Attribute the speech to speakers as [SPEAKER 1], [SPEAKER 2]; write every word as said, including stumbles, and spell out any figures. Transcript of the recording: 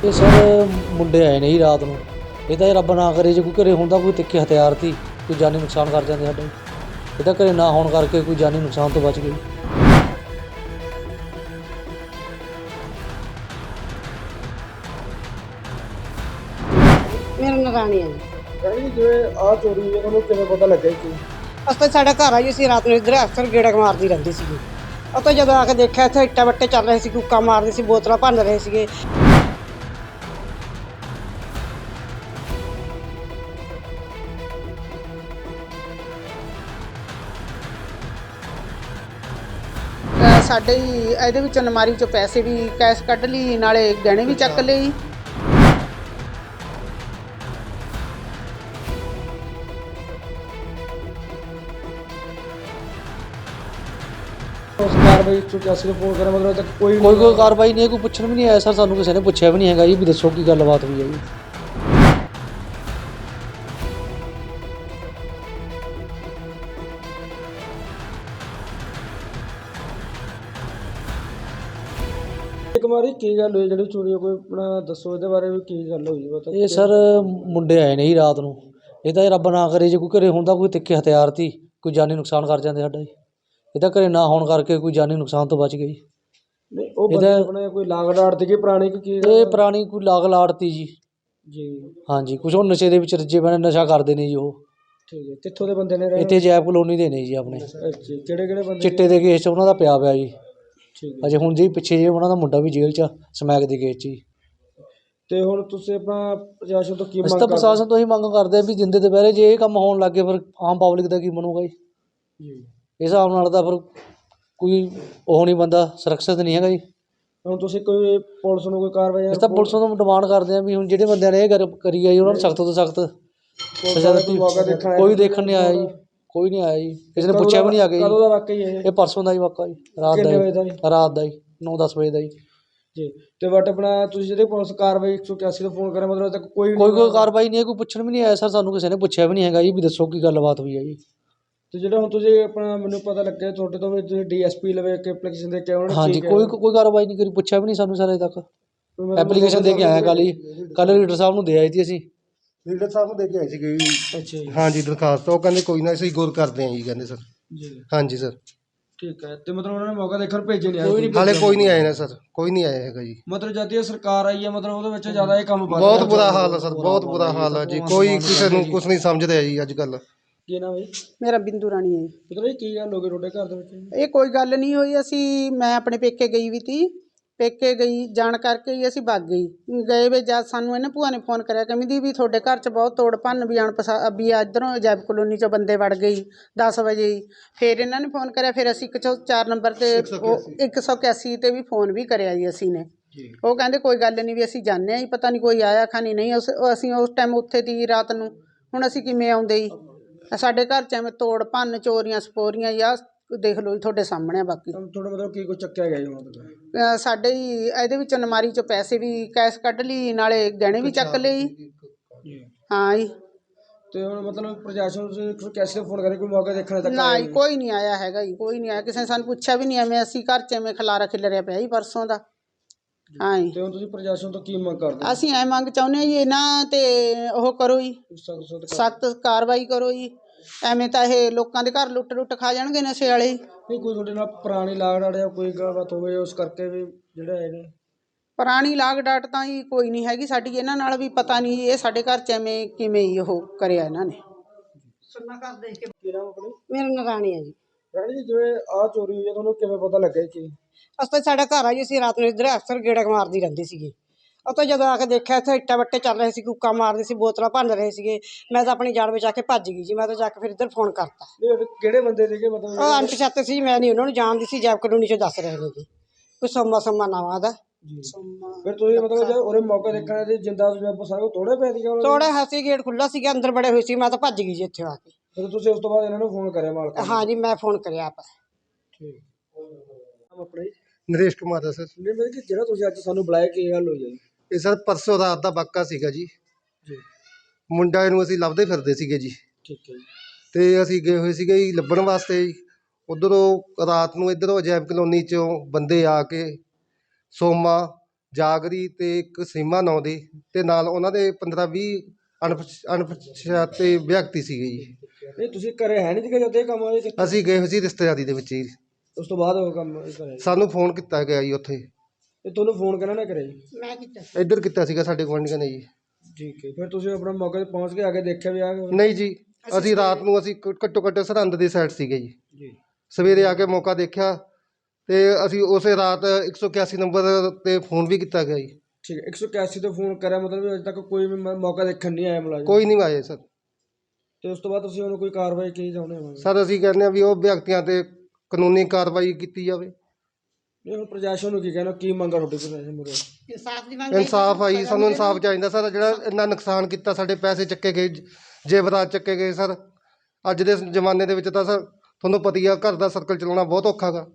[SPEAKER 1] ਇਹ ਸਰ ਮੁੰਡੇ ਆਏ ਨੇ ਜੀ ਰਾਤ ਨੂੰ। ਇਹ ਤਾਂ ਰੱਬ ਨਾ ਕਰੇ ਜੇ ਕੋਈ ਘਰੇ ਹੁੰਦਾ ਕੋਈ ਤਿੱਖੇ ਹਥਿਆਰ ਸੀ ਕੋਈ ਜਾਨੀ ਨੁਕਸਾਨ ਕਰ ਜਾਂਦੇ ਸਾਡਾ। ਇਹ ਤਾਂ ਘਰੇ ਨਾ ਹੋਣ ਕਰਕੇ ਕੋਈ ਜਾਨੀ ਨੁਕਸਾਨ ਤੋਂ ਬਚ ਗਏ।
[SPEAKER 2] ਮੇਰਾ ਨਾਂ ਰਾਣੀ ਹੈ ਜੀ।
[SPEAKER 3] ਰਾਣੀ ਜਿਵੇਂ ਆਹ ਚੋਰੀ ਹੋਈ ਹੈ ਤੁਹਾਨੂੰ ਕਿਵੇਂ ਪਤਾ ਲੱਗਿਆ ਕਿ
[SPEAKER 2] ਅਸੀਂ ਤਾਂ ਸਾਡਾ ਘਰ ਆ ਜੀ, ਅਸੀਂ ਰਾਤ ਨੂੰ ਇੱਧਰ ਅਕਸਰ ਗੇੜਾ ਮਾਰਦੀ ਰਹਿੰਦੀ ਸੀਗੀ। ਉਹ ਤਾਂ ਜਦੋਂ ਆ ਕੇ ਦੇਖਿਆ ਇੱਥੇ ਇੱਟਾਂ ਵੱਟੇ ਚੱਲ ਰਹੇ ਸੀ, ਕੁੱਕਾ ਮਾਰਦੇ ਸੀ, ਬੋਤਲਾਂ ਭੰਨ ਰਹੇ ਸੀਗੇ। ਅਹ ਸਾਡੇ ਹੀ ਇਹਦੇ ਵਿੱਚੋਂ ਅਲਮਾਰੀ ਚੋਂ ਪੈਸੇ ਵੀ ਕੈਸ਼ ਕੱਢ ਲਈ, ਨਾਲੇ ਗਹਿਣੇ ਵੀ ਚੱਕ ਲਏ।
[SPEAKER 3] ਉਸ ਕਾਰਵਾਈ ਇੱਕ ਸੌ ਇਕਿਆਸੀ ਨੂੰ ਫੋਨ ਕਰਿਆ ਮਤਲਬ ਤੱਕ ਕੋਈ
[SPEAKER 1] ਕੋਈ ਕੋਈ ਕਾਰਵਾਈ ਨਹੀਂ ਹੈ, ਕੋਈ ਪੁੱਛਣ ਵੀ ਨਹੀਂ ਆਇਆ ਸਰ। ਸਾਨੂੰ ਕਿਸੇ ਨੇ ਪੁੱਛਿਆ ਵੀ ਨਹੀਂ ਹੈਗਾ ਜੀ ਵੀ ਦੱਸੋ ਕੀ ਗੱਲਬਾਤ ਹੋਈ ਹੈ ਜੀ।
[SPEAKER 3] ਇੱਕ ਵਾਰੀ ਕੀ ਗੱਲ ਹੋਈ ਜਿਹੜੀ ਚੋਰੀ ਹੋਈ, ਕੋਈ ਆਪਣਾ ਦੱਸੋ ਇਹਦੇ ਬਾਰੇ ਵੀ ਕੀ ਗੱਲ ਹੋਈ ਪਤਾ।
[SPEAKER 1] ਇਹ ਸਰ ਮੁੰਡੇ ਆਏ ਨੇ ਜੀ ਰਾਤ ਨੂੰ। ਇਹ ਤਾਂ ਰੱਬ ਨਾ ਕਰੇ ਜੇ ਕੋਈ ਘਰੇ ਹੁੰਦਾ ਕੋਈ ਤਿੱਖੇ ਹਥਿਆਰ ਸੀ ਕੋਈ ਜਾਨੀ ਨੁਕਸਾਨ ਕਰ ਜਾਂਦੇ ਸਾਡਾ ਜੀ। ਇਹ ਤਾਂ ਘਰੇ ਨਾ ਹੋਣ ਕਰਕੇ ਕੋਈ ਜਾਨੀ ਨੁਕਸਾਨ ਤੋਂ ਬਚ ਗਏ ਜੀ।
[SPEAKER 3] ਨਹੀਂ ਉਹ ਬੰਦੇ ਆਪਣੇ ਕੋਈ ਲਾਗ ਡਾਟ ਤੇ ਕੀ ਪੁਰਾਣੀ ਕਿ ਕੀ
[SPEAKER 1] ਇਹ ਪੁਰਾਣੀ ਕੋਈ ਲਾਗ ਲਾੜਤੀ ਜੀ।
[SPEAKER 3] ਜੀ
[SPEAKER 1] ਹਾਂਜੀ, ਕੁਛ ਉਹ ਨਸ਼ੇ ਦੇ ਵਿੱਚ ਰੱਜੇ ਪਏ ਨੇ, ਨਸ਼ਾ ਕਰਦੇ ਨੇ ਜੀ ਉਹ।
[SPEAKER 3] ਠੀਕ ਹੈ, ਕਿੱਥੋਂ ਦੇ ਬੰਦੇ ਨੇ ਰਹੇ?
[SPEAKER 1] ਇੱਥੇ ਜੈਪ ਕਲੋਨੀ ਦੇ ਨੇ ਜੀ ਆਪਣੇ।
[SPEAKER 3] ਅੱਛਾ, ਕਿਹੜੇ ਕਿਹੜੇ ਬੰਦੇ?
[SPEAKER 1] ਚਿੱਟੇ ਦੇ ਕੇਸ 'ਚ ਉਹਨਾਂ ਦਾ ਪਿਆ ਪਿਆ ਜੀ।
[SPEAKER 3] ਠੀਕ ਹੈ।
[SPEAKER 1] ਅਜੇ ਹੁਣ ਜੀ ਪਿੱਛੇ ਜੇ ਉਹਨਾਂ ਦਾ ਮੁੰਡਾ ਵੀ ਜੇਲ੍ਹ 'ਚ ਸਮੈਕ ਦੇ ਕੇਸ 'ਚ ਜੀ।
[SPEAKER 3] ਤੇ ਹੁਣ ਤੁਸੀਂ ਆਪਣਾ ਪ੍ਰਸ਼ਾਸਨ ਤੋਂ ਕੀ
[SPEAKER 1] ਅਸੀਂ
[SPEAKER 3] ਮੰਗ
[SPEAKER 1] ਤਾਂ
[SPEAKER 3] ਕਰਦੇ?
[SPEAKER 1] ਪ੍ਰਸ਼ਾਸਨ ਤੋਂ ਹੀ ਮੰਗ ਕਰਦੇ ਆ ਵੀ ਜਿੰਦੇ ਦੁਪਹਿਰੇ ਜੇ ਇਹ ਕੰਮ ਹੋਣ ਲੱਗੇ ਫਿਰ ਆਮ ਪਬਲਿਕ ਦਾ ਕੀ ਬਣੂਗਾ ਜੀ।
[SPEAKER 3] ਜੀ
[SPEAKER 1] ਇਸ ਹਿਸਾਬ ਨਾਲ ਤਾਂ ਫਿਰ ਕੋਈ ਉਹ ਨਹੀਂ, ਬੰਦਾ ਸੁਰੱਖਿਅਤ ਨਹੀਂ ਹੈਗਾ ਜੀ।
[SPEAKER 3] ਹੁਣ ਤੁਸੀਂ ਕੋਈ ਪੁਲਿਸ ਨੂੰ ਕੋਈ ਕਾਰਵਾਈ?
[SPEAKER 1] ਅਸੀਂ ਤਾਂ ਪੁਲਿਸ ਤੋਂ ਡਿਮਾਂਡ ਕਰਦੇ ਹਾਂ ਵੀ ਹੁਣ ਜਿਹੜੇ ਬੰਦਿਆਂ ਨੇ ਇਹ ਕਰ ਕਰੀ ਆ ਜੀ ਉਹਨਾਂ ਨੂੰ ਸਖਤ ਤੋਂ ਸਖਤ ਸਜ਼ਾ ਦਿੱਤੀ। ਕੋਈ ਦੇਖਣ ਨਹੀਂ ਆਇਆ ਜੀ, ਕੋਈ ਨਹੀਂ ਆਇਆ ਜੀ, ਕਿਸੇ ਨੇ ਪੁੱਛਿਆ ਵੀ ਨਹੀਂ ਆ ਕੇ
[SPEAKER 3] ਕਦੋਂ ਦਾ
[SPEAKER 1] ਜੀ।
[SPEAKER 3] ਵਾਕਈ ਇਹ?
[SPEAKER 1] ਇਹ ਪਰਸੋਂ ਦਾ ਹੀ ਵਾਕਾ ਜੀ, ਰਾਤ
[SPEAKER 3] ਕਿੰਨੇ ਵਜੇ
[SPEAKER 1] ਦਾ
[SPEAKER 3] ਦਾ
[SPEAKER 1] ਜੀ,
[SPEAKER 3] ਜੀ?
[SPEAKER 1] ਰਾਤ ਦਾ ਜੀ ਨੌ ਦਸ ਵਜੇ ਦਾ ਜੀ।
[SPEAKER 3] ਜੀ ਤੇ ਬਟ ਆਪਣਾ ਤੁਸੀਂ ਜਿਹੜੇ ਪੁਲਿਸ ਕਾਰਵਾਈ ਇੱਕ ਸੌ ਇਕਿਆਸੀ ਤੋਂ ਫੋਨ ਕਰਿਆ ਮਤਲਬ ਤੱਕ ਕੋਈ
[SPEAKER 1] ਕੋਈ ਕੋਈ ਕਾਰਵਾਈ ਨਹੀਂ ਹੈ, ਕੋਈ ਪੁੱਛਣ ਵੀ ਨਹੀਂ ਆਇਆ ਸਰ। ਸਾਨੂੰ ਕਿਸੇ ਨੇ ਪੁੱਛਿਆ ਵੀ ਨਹੀਂ ਹੈਗਾ ਜੀ ਵੀ ਦੱਸੋ ਕੀ ਗੱਲਬਾਤ ਹੋਈ ਹੈ ਜੀ।
[SPEAKER 3] ਤੇ ਜਿਹੜਾ ਹੁਣ ਤੁਸੀਂ ਆਪਣਾ ਮੈਨੂੰ ਪਤਾ ਲੱਗਿਆ ਤੁਹਾਡੇ ਤੋਂ ਵੀ ਤੁਸੀਂ ਡੀ ਐਸ ਪੀ ਲਵੇ ਕੇ ਐਪਲੀਕੇਸ਼ਨ ਦੇ ਕੇ ਉਹਨਾਂ ਨੇ
[SPEAKER 1] ਹਾਂਜੀ,
[SPEAKER 3] ਕੀ
[SPEAKER 1] ਕੋਈ ਕੋਈ ਕਾਰਵਾਈ ਨਹੀਂ ਕਰੀ, ਪੁੱਛਿਆ ਵੀ ਨਹੀਂ ਸਾਨੂੰ ਸਰ ਅਜੇ ਤੱਕ। ਐਪਲੀਕੇਸ਼ਨ ਦੇ ਕੇ ਆਇਆ ਕੱਲ੍ਹ ਜੀ, ਕੱਲ੍ਹ ਲੀਡਰ ਸਾਹਿਬ ਨੂੰ ਦੇ ਆਈ ਸੀ ਅਸੀਂ।
[SPEAKER 4] ਲੀਡਰ ਸਾਹਿਬ ਨੂੰ ਦੇ ਕੇ ਆਏ ਸੀਗੇ ਜੀ।
[SPEAKER 3] ਅੱਛਾ ਜੀ।
[SPEAKER 4] ਹਾਂਜੀ ਦਰਖਾਸਤ, ਉਹ ਕਹਿੰਦੇ ਕੋਈ ਨਾ ਅਸੀਂ ਗੌਰ ਕਰਦੇ ਹਾਂ ਜੀ, ਕਹਿੰਦੇ ਸਰ।
[SPEAKER 3] ਜੀ
[SPEAKER 4] ਹਾਂਜੀ ਸਰ।
[SPEAKER 3] ਠੀਕ ਹੈ, ਤੇ ਮਤਲਬ ਉਹਨਾਂ ਨੇ ਮੌਕਾ ਦੇਖਣ ਭੇਜੇ ਨਹੀਂ ਆਏ?
[SPEAKER 4] ਹਾਲੇ ਕੋਈ ਨਹੀਂ ਆਇਆ ਨਾ ਸਰ, ਕੋਈ ਨਹੀਂ ਆਇਆ ਹੈਗਾ ਜੀ।
[SPEAKER 3] ਮਤਲਬ ਜਦ ਦੀ ਇਹ ਸਰਕਾਰ ਆਈ ਹੈ ਮਤਲਬ ਉਹਦੇ ਵਿੱਚ ਜ਼ਿਆਦਾ ਇਹ ਕੰਮ ਵੱਧ
[SPEAKER 4] ਬਹੁਤ
[SPEAKER 3] ਗਿਆ।
[SPEAKER 4] ਬੁਰਾ ਹਾਲ ਹੈ ਸਰ, ਬਹੁਤ ਬੁਰਾ ਹਾਲ ਹੈ ਜੀ। ਕੋਈ ਕਿਸੇ ਨੂੰ ਕੁਝ ਨਹੀਂ ਸਮਝਦਾ ਜੀ ਅੱਜ ਕੱਲ੍ਹ।
[SPEAKER 3] ਕੀ ਨਾਮ ਹੈ ਜੀ?
[SPEAKER 2] ਮੇਰਾ ਬਿੰਦੂ ਰਾਣੀ ਹੈ ਜੀ।
[SPEAKER 3] ਮਤਲਬ ਇਹ ਕੀ ਗੱਲ ਹੋ ਗਈ ਤੁਹਾਡੇ ਘਰ ਦੇ ਵਿੱਚ?
[SPEAKER 2] ਇਹ ਕੋਈ ਗੱਲ ਨਹੀਂ ਹੋਈ। ਅਸੀਂ ਮੈਂ ਆਪਣੇ ਪੇਕੇ ਗਈ ਵੀ ਤੀ, ਪੇਕੇ ਗਈ ਜਾਣ ਕਰਕੇ ਹੀ ਅਸੀਂ ਭੱਜ ਗਈ ਗਏ ਵੇ। ਜਦ ਸਾਨੂੰ ਇਹਨੇ ਭੂਆ ਨੇ ਫੋਨ ਕਰਿਆ, ਕਹਿੰਦੀ ਵੀ ਤੁਹਾਡੇ ਘਰ 'ਚ ਬਹੁਤ ਤੋੜ ਭੰਨ ਵੀ ਅਣਪਸਾ ਵੀ ਇੱਧਰੋਂ ਜੈਬ ਕਲੋਨੀ 'ਚੋਂ ਬੰਦੇ ਵੜ ਗਈ ਦਸ ਵਜੇ ਹੀ। ਫਿਰ ਇਹਨਾਂ ਨੇ ਫੋਨ ਕਰਿਆ, ਫਿਰ ਅਸੀਂ ਇੱਕ ਸੌ ਚਾਰ ਨੰਬਰ 'ਤੇ ਉਹ ਇੱਕ ਸੌ ਇਕਿਆਸੀ 'ਤੇ ਵੀ ਫੋਨ ਵੀ ਕਰਿਆ ਜੀ ਅਸੀਂ ਨੇ। ਉਹ ਕਹਿੰਦੇ ਕੋਈ ਗੱਲ ਨਹੀਂ ਵੀ ਅਸੀਂ ਜਾਂਦੇ ਹਾਂ ਜੀ, ਪਤਾ ਨਹੀਂ ਕੋਈ ਆਇਆ ਖਾਣੀ ਨਹੀਂ। ਉਸ ਅਸੀਂ ਉਸ ਟਾਈਮ ਉੱਥੇ ਦੀ ਰਾਤ ਨੂੰ, ਹੁਣ ਅਸੀਂ ਕਿਵੇਂ ਆਉਂਦੇ ਜੀ। ਸਾਡੇ ਘਰ 'ਚ ਐਵੇਂ ਤੋੜ ਭੰਨ ਚੋਰੀਆਂ ਸਪੋਰੀਆਂ ਜਾਂ ਦੇਖ ਲਓ ਜੀ ਤੁਹਾਡੇ ਸਾਹਮਣੇ ਆ। ਬਾਕੀ
[SPEAKER 3] ਤੁਹਾਡਾ ਮਤਲਬ ਕੀ ਕੁਝ ਚੱਕਿਆ ਗਿਆ ਜੀ ਮਤਲਬ?
[SPEAKER 2] ਅਹ ਸਾਡੇ ਹੀ ਇਹਦੇ ਵਿੱਚੋਂ ਅਲਮਾਰੀ ਚੋਂ ਪੈਸੇ ਵੀ ਕੈਸ਼ ਕੱਢ ਲਈ, ਨਾਲੇ ਗਹਿਣੇ ਵੀ ਚੱਕ ਲਏ ਜੀ। ਹਾਂ ਜੀ।
[SPEAKER 3] ਤੇ ਹੁਣ ਮਤਲਬ ਪ੍ਰਸ਼ਾਸਨ ਨੂੰ ਤੁਸੀਂ ਇੱਕ ਸੌ ਇਕਿਆਸੀ ਤੋਂ ਫੋਨ ਕਰੇ ਕੋਈ ਮੌਕਾ ਦੇਖਣ ਤੱਕ
[SPEAKER 2] ਨਾ ਜੀ, ਕੋਈ ਨਹੀਂ ਆਇਆ ਹੈਗਾ ਜੀ, ਕੋਈ ਨਹੀਂ ਆਇਆ। ਕਿਸੇ ਨੇ ਸਾਨੂੰ ਪੁੱਛਿਆ ਵੀ ਨਹੀਂ। ਐਵੇਂ ਅਸੀਂ ਘਰ 'ਚ ਐਵੇਂ ਖਲਾਰਾ ਖਿਲਰਿਆ ਪਿਆ ਜੀ ਪਰਸੋਂ ਦਾ। ਹਾਂ ਜੀ।
[SPEAKER 3] ਤੇ ਹੁਣ ਤੁਸੀਂ ਪ੍ਰਸ਼ਾਸਨ ਤੋਂ ਕੀ ਮੰਗ ਕਰਦੇ?
[SPEAKER 2] ਅਸੀਂ ਐ ਮੰਗ ਚਾਹੁੰਦੇ ਹਾਂ ਜੀ ਇਹਨਾਂ 'ਤੇ ਉਹ ਕਰੋ ਜੀ,
[SPEAKER 3] ਸਖਤ
[SPEAKER 2] ਸਖਤ ਕਾਰਵਾਈ ਕਰੋ ਜੀ। ਐਵੇਂ ਤਾਂ ਇਹ ਲੋਕਾਂ ਦੇ ਘਰ ਲੁੱਟ ਲੁੱਟ ਖਾ ਜਾਣਗੇ ਨਸ਼ੇ ਵਾਲੇ।
[SPEAKER 3] ਨਹੀਂ ਕੋਈ ਤੁਹਾਡੇ ਨਾਲ ਪੁਰਾਣੀ ਲਾਗ ਡਾਟ ਜਾਂ ਕੋਈ ਗੱਲਬਾਤ ਹੋਵੇ ਉਸ ਕਰਕੇ ਵੀ ਜਿਹੜਾ ਇਹਨੇ?
[SPEAKER 2] ਪੁਰਾਣੀ ਲਾਗ ਡਾਟ ਤਾਂ ਜੀ ਕੋਈ ਨਹੀਂ ਹੈਗੀ ਸਾਡੀ ਇਹਨਾਂ ਨਾਲ ਵੀ। ਪਤਾ ਨਹੀਂ ਇਹ ਸਾਡੇ ਘਰ 'ਚ ਐਵੇਂ ਕਿਵੇਂ ਹੀ ਉਹ ਕਰਿਆ ਇਹਨਾਂ ਨੇ।
[SPEAKER 3] ਕੀ ਨਾਮ ਆਪਣੀ?
[SPEAKER 2] ਮੇਰਾ ਨਾਂ ਰਾਣੀ ਹੈ ਜੀ।
[SPEAKER 3] ਰਾਣੀ ਜੀ ਜਿਵੇਂ ਆਹ ਚੋਰੀ ਹੋਈ ਹੈ ਤੁਹਾਨੂੰ ਕਿਵੇਂ ਪਤਾ ਲੱਗਿਆ ਕਿ?
[SPEAKER 2] ਅਸੀਂ ਤਾਂ ਸਾਡਾ ਘਰ ਆ ਜੀ, ਅਸੀਂ ਰਾਤ ਨੂੰ ਇੱਧਰ ਅਕਸਰ ਗੇੜਾ ਮਾਰਦੀ ਰਹਿੰਦੀ ਸੀਗੀ। ਉਹ ਤਾਂ ਜਦੋਂ ਆ ਕੇ ਦੇਖਿਆ ਇੱਥੇ ਇੱਟਾਂ ਵੱਟੇ ਚੱਲ ਰਹੇ ਸੀ, ਕੁੱਕਾ ਮਾਰਦੇ ਸੀ, ਬੋਤਲਾਂ ਭੰਨ ਰਹੇ ਸੀਗੇ। ਮੈਂ ਤਾਂ ਆਪਣੀ ਜਾਨ ਬਚਾ ਕੇ ਭੱਜ ਗਈ ਜੀ। ਮੈਂ ਤਾਂ ਜਾ ਕੇ ਫਿਰ ਇੱਧਰ ਫੋਨ ਕਰਤਾ।
[SPEAKER 3] ਨਹੀਂ ਉਹ ਕਿਹੜੇ ਬੰਦੇ ਸੀਗੇ ਮਤਲਬ?
[SPEAKER 2] ਉਹ ਅਣਪਛਾਤੇ ਸੀ, ਮੈਂ ਨਹੀਂ ਉਹਨਾਂ ਨੂੰ ਜਾਣਦੀ ਸੀ। ਜੈਬ ਕਲੋਨੀ 'ਚੋਂ ਦੱਸ ਰਹੇ ਨੇ ਜੀ, ਕੋਈ ਸੋਮਾ ਸੋਮਾ ਨਾਵਾਂ ਦਾ।
[SPEAKER 3] ਫਿਰ ਤੁਸੀਂ ਮਤਲਬ ਜਦ ਉਹਦੇ ਮੌਕਾ ਦੇਖਣਾ ਤੇ ਜਿੰਦਾ ਤੁਸੀਂ ਸਾਰੇ ਤੋੜੇ ਪੈ ਸੀਗਾ?
[SPEAKER 2] ਥੋੜਾ ਹੱਸੀ ਗੇਟ ਖੁੱਲ੍ਹਾ ਸੀਗਾ, ਅੰਦਰ ਬੜੇ ਹੋਏ ਸੀ। ਮੈਂ ਤਾਂ ਭੱਜ ਗਈ ਜੀ ਇੱਥੇ ਆ ਕੇ।
[SPEAKER 3] ਫਿਰ ਤੁਸੀਂ ਉਸ ਤੋਂ ਬਾਅਦ ਇਹਨਾਂ ਨੂੰ ਫੋਨ ਕਰਿਆ ਮਾਲਕ ਨੂੰ?
[SPEAKER 2] ਹਾਂ ਜੀ, ਮੈਂ ਫੋਨ ਕਰਿਆ ਆਪ।
[SPEAKER 3] ਠੀਕ ਆਪਣਾ ਜੀ
[SPEAKER 4] ਨਰੇਸ਼ ਕੁਮਾਰ ਦਾ ਸਰ।
[SPEAKER 3] ਨਹੀਂ ਮਤਲਬ ਕਿ ਜਿਹੜਾ ਤੁਸੀਂ ਅੱਜ ਸਾਨੂੰ ਬੁਲਾਇਆ ਕੀ ਗੱਲ ਹੋਈ ਹੈ?
[SPEAKER 4] ਇਹ ਸਰ ਪਰਸੋਂ ਰਾਤ ਦਾ ਵਾਕਾ ਸੀਗਾ ਜੀ।
[SPEAKER 3] ਜੀ
[SPEAKER 4] ਮੁੰਡਾ ਨੂੰ ਅਸੀਂ ਲੱਭਦੇ ਫਿਰਦੇ ਸੀਗੇ ਜੀ।
[SPEAKER 3] ਠੀਕ ਹੈ ਜੀ।
[SPEAKER 4] ਤੇ ਅਸੀਂ ਗਏ ਹੋਏ ਸੀਗੇ ਜੀ ਲੱਭਣ ਵਾਸਤੇ ਜੀ। ਉੱਧਰੋਂ ਰਾਤ ਨੂੰ ਇੱਧਰੋਂ ਅਜੈਬ ਕਲੋਨੀ 'ਚੋਂ ਬੰਦੇ ਆ ਕੇ ਸੋਮਾ ਜਾਗਰੀ ਤੇ ਇੱਕ ਸੀਮਾ ਨਾਂ ਦੇ ਤੇ ਨਾਲ ਉਹਨਾਂ ਦੇ ਪੰਦਰਾਂ ਵੀਹ ਅਣਪਛ ਅਣਪਛਾਤੇ ਵਿਅਕਤੀ ਸੀਗੇ ਜੀ।
[SPEAKER 3] ਨਹੀਂ ਤੁਸੀਂ ਘਰੇ ਹੈ ਨਹੀਂ ਸੀਗੇ ਜਦੋਂ ਇਹ ਕੰਮ ਹੋਇਆ ਜੀ?
[SPEAKER 4] ਅਸੀਂ ਗਏ ਹੋਏ ਸੀ ਰਿਸ਼ਤੇਦਾਰੀ ਦੇ ਵਿੱਚ ਜੀ।
[SPEAKER 3] ਉਸ ਤੋਂ ਬਾਅਦ ਉਹ ਕੰਮ ਕਰਿਆ?
[SPEAKER 4] ਸਾਨੂੰ ਫੋਨ ਕੀਤਾ ਗਿਆ ਜੀ ਉੱਥੇ।
[SPEAKER 3] ਇਹ ਤੁਹਾਨੂੰ ਫੋਨ ਕਿਹਨਾਂ ਨੇ ਕਰਿਆ ਜੀ?
[SPEAKER 2] ਮੈਂ ਕੀਤਾ
[SPEAKER 4] ਇੱਧਰ ਕੀਤਾ ਸੀਗਾ ਸਾਡੇ ਗੁਆਂਢੀਆਂ ਨੇ ਜੀ।
[SPEAKER 3] ਠੀਕ ਹੈ, ਫਿਰ ਤੁਸੀਂ ਆਪਣਾ ਮੌਕੇ ਤੇ ਪਹੁੰਚ ਕੇ ਆ ਕੇ ਦੇਖਿਆ ਵੀ ਆ
[SPEAKER 4] ਨਹੀਂ ਜੀ, ਅਸੀਂ ਰਾਤ ਨੂੰ ਅਸੀਂ ਘ- ਘੱਟੋ ਘੱਟ ਸਰਹੰਦ ਦੀ ਸਾਈਡ ਸੀਗੇ ਜੀ।
[SPEAKER 3] ਜੀ?
[SPEAKER 4] ਸਵੇਰੇ ਆ ਕੇ ਮੌਕਾ ਦੇਖਿਆ ਤੇ ਅਸੀਂ ਉਸੇ ਰਾਤ ਇੱਕ ਸੌ ਇਕਿਆਸੀ ਨੰਬਰ ਤੇ ਫੋਨ ਵੀ ਕੀਤਾ ਗਿਆ ਜੀ।
[SPEAKER 3] ਠੀਕ ਹੈ, ਇੱਕ ਸੌ ਇਕਿਆਸੀ ਤੋਂ ਫੋਨ ਕਰਿਆ, ਮਤਲਬ ਵੀ ਅਜੇ ਤੱਕ ਕੋਈ ਵੀ ਮ- ਮੌਕਾ ਦੇਖਣ ਨਹੀਂ ਆਇਆ ਮੁਲਾਜ਼ਮ?
[SPEAKER 4] ਕੋਈ ਨਹੀਂ ਆਏ ਸਰ।
[SPEAKER 3] ਤੇ ਉਸ ਤੋਂ ਬਾਅਦ ਤੁਸੀਂ ਉਹਨੂੰ ਕੋਈ ਕਾਰਵਾਈ ਕੀ ਚਾਹੁੰਦੇ ਹੋ?
[SPEAKER 4] ਸਰ ਅਸੀਂ ਕਹਿੰਦੇ ਹਾਂ ਵੀ ਉਹ ਵਿਅਕਤੀਆਂ ਤੇ ਕਾਨੂੰਨੀ ਕਾਰਵਾਈ ਕੀਤੀ ਜਾਵੇ।
[SPEAKER 3] ਇਹ ਹੁਣ ਪ੍ਰਸ਼ਾਸਨ ਨੂੰ ਕੀ ਕਹਿਣਾ, ਕੀ ਮੰਗਾ ਤੁਹਾਡੀ ਪ੍ਰਸ਼ਾਸਨ ਮੁਰੇ?
[SPEAKER 2] ਇਨਸਾਫ ਦੀ ਮੰਗ
[SPEAKER 4] ਇਨਸਾਫ ਆਈ, ਸਾਨੂੰ ਇਨਸਾਫ ਚਾਹੀਦਾ ਸਰ। ਜਿਹੜਾ ਇੰਨਾ ਨੁਕਸਾਨ ਕੀਤਾ, ਸਾਡੇ ਪੈਸੇ ਚੱਕੇ ਗਏ, ਜੇਵਰਾਤ ਚੱਕੇ ਗਏ ਸਰ। ਅੱਜ ਦੇ ਜ਼ਮਾਨੇ ਦੇ ਵਿੱਚ ਤਾਂ ਸਰ ਤੁਹਾਨੂੰ ਪਤਾ ਹੀ ਆ, ਘਰ ਦਾ ਸਰਕਲ ਚਲਾਉਣਾ ਬਹੁਤ ਔਖਾ ਗਾ।